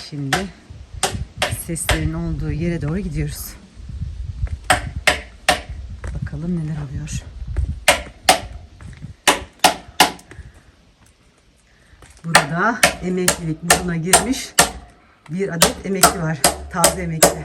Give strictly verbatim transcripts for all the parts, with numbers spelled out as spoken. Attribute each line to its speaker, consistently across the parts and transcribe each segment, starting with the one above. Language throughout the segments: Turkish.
Speaker 1: Şimdi seslerin olduğu yere doğru gidiyoruz. Bakalım neler oluyor. Burada emeklilik moduna girmiş bir adet emekli var. Taze emekli.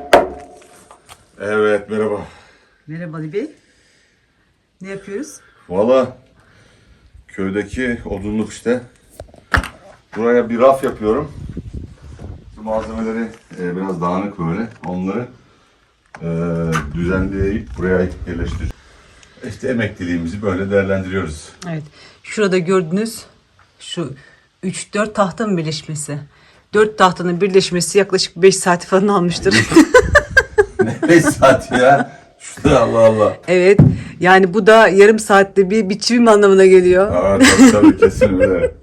Speaker 2: Evet, merhaba.
Speaker 1: Merhaba Ali Bey. Ne yapıyoruz?
Speaker 2: Valla köydeki odunluk işte. Buraya bir raf yapıyorum. Bu malzemeleri e, biraz dağınık böyle. Onları e, düzenleyip buraya yerleştireceğiz. İşte emekliliğimizi böyle değerlendiriyoruz.
Speaker 1: Evet. Şurada gördüğünüz şu üç dört tahtanın birleşmesi. dört tahtanın birleşmesi yaklaşık beş saati falan almıştır.
Speaker 2: Ne beş saat ya? Şurada Allah Allah.
Speaker 1: Evet. Yani bu da yarım saatte bir biçim anlamına geliyor.
Speaker 2: Aa, tabii tabii kesin öyle.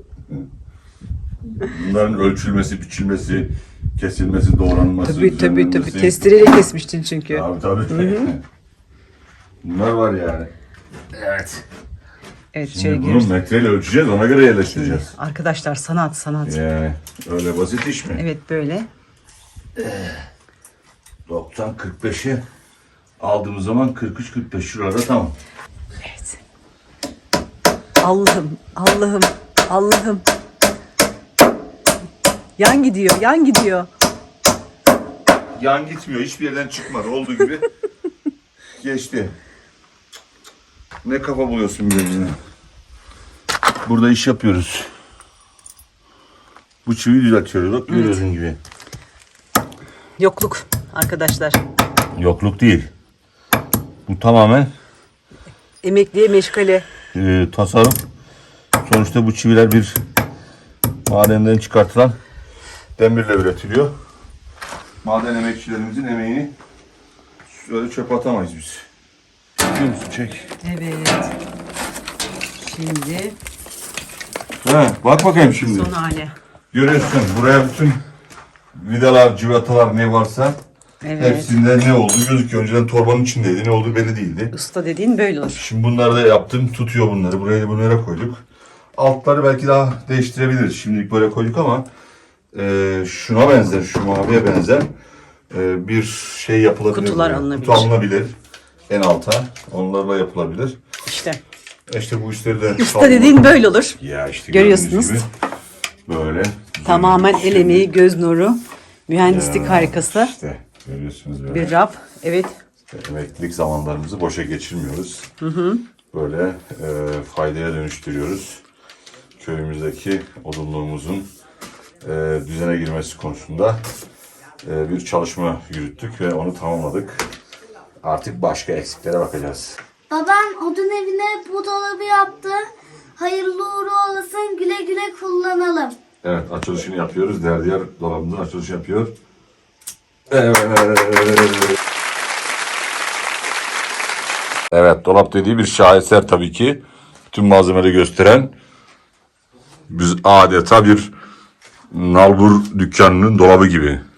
Speaker 2: Bunların ölçülmesi, biçilmesi, kesilmesi, doğranması,
Speaker 1: Tabii tabii
Speaker 2: düzenlenmesi.
Speaker 1: tabii. Testereyle kesmiştin çünkü.
Speaker 2: Abi tabii. Bunlar var yani. Evet.
Speaker 1: Evet, şöyle
Speaker 2: Şimdi bunu
Speaker 1: görüyoruz.
Speaker 2: metreyle ölçeceğiz, ona göre yerleştireceğiz.
Speaker 1: Arkadaşlar sanat sanat.
Speaker 2: Yani öyle basit iş mi?
Speaker 1: Evet böyle.
Speaker 2: doksan kırk beşi aldığımız zaman kırk üç kırk beş şurada tamam.
Speaker 1: Evet. Allah'ım, Allah'ım, Allah'ım. Yan gidiyor, yan gidiyor.
Speaker 2: Yan gitmiyor, hiçbir yerden çıkmadı. Olduğu gibi geçti. Ne kafa buluyorsun birbirine? Burada iş yapıyoruz. Bu çiviyi düzeltiyoruz. Bak görüyorsun gibi.
Speaker 1: Yokluk arkadaşlar.
Speaker 2: Yokluk değil. Bu tamamen
Speaker 1: Emekliye meşgale.
Speaker 2: e, tasarım. Sonuçta bu çiviler bir madenden çıkartılan demirle üretiliyor. Maden emekçilerimizin emeğini öyle çöpe atamayız biz. Biliyor musun? Çek.
Speaker 1: Evet. Şimdi
Speaker 2: He, bak bakayım şimdi.
Speaker 1: son hali.
Speaker 2: Görüyorsun buraya bütün vidalar, cıvatalar ne varsa
Speaker 1: Evet.
Speaker 2: hepsinde ne olduğu gözüküyor. Önceden torbanın içindeydi. Ne olduğu belli değildi.
Speaker 1: Usta dediğin böyle olur.
Speaker 2: Şimdi bunları da yaptım. Tutuyor bunları. Buraya da bunlara koyduk. Altları belki daha değiştirebiliriz. Şimdilik böyle koyduk ama e, şuna benzer, şu maviye benzer e, bir şey yapılabilir.
Speaker 1: Kutular
Speaker 2: buraya.
Speaker 1: alınabilir.
Speaker 2: Kutu alınabilir. En alta. Onlarla yapılabilir.
Speaker 1: İşte.
Speaker 2: E İşte bu işleri de...
Speaker 1: Usta dediğin böyle olur.
Speaker 2: Ya işte
Speaker 1: Görüyorsunuz.
Speaker 2: gördüğünüz gibi böyle.
Speaker 1: Tamamen el
Speaker 2: Şimdi-
Speaker 1: emeği, göz nuru, mühendislik
Speaker 2: Ya,
Speaker 1: harikası.
Speaker 2: İşte görüyorsunuz böyle.
Speaker 1: Bir raf. Evet.
Speaker 2: Emeklilik zamanlarımızı boşa geçirmiyoruz. Hı hı. Böyle e, faydaya dönüştürüyoruz. Köyümüzdeki odunluğumuzun e, düzene girmesi konusunda e, bir çalışma yürüttük ve onu tamamladık. Artık başka eksiklere bakacağız.
Speaker 3: Babam odun evine bu dolabı yaptı. Hayırlı uğurlu olasın, güle güle kullanalım.
Speaker 2: Evet, açılışını yapıyoruz. Derdiyar dolabımızın açılışını yapıyor. Evet. Evet, dolap dediği bir şaheser tabii ki. Bütün malzemeleri gösteren biz adeta bir nalbur dükkanının dolabı gibi.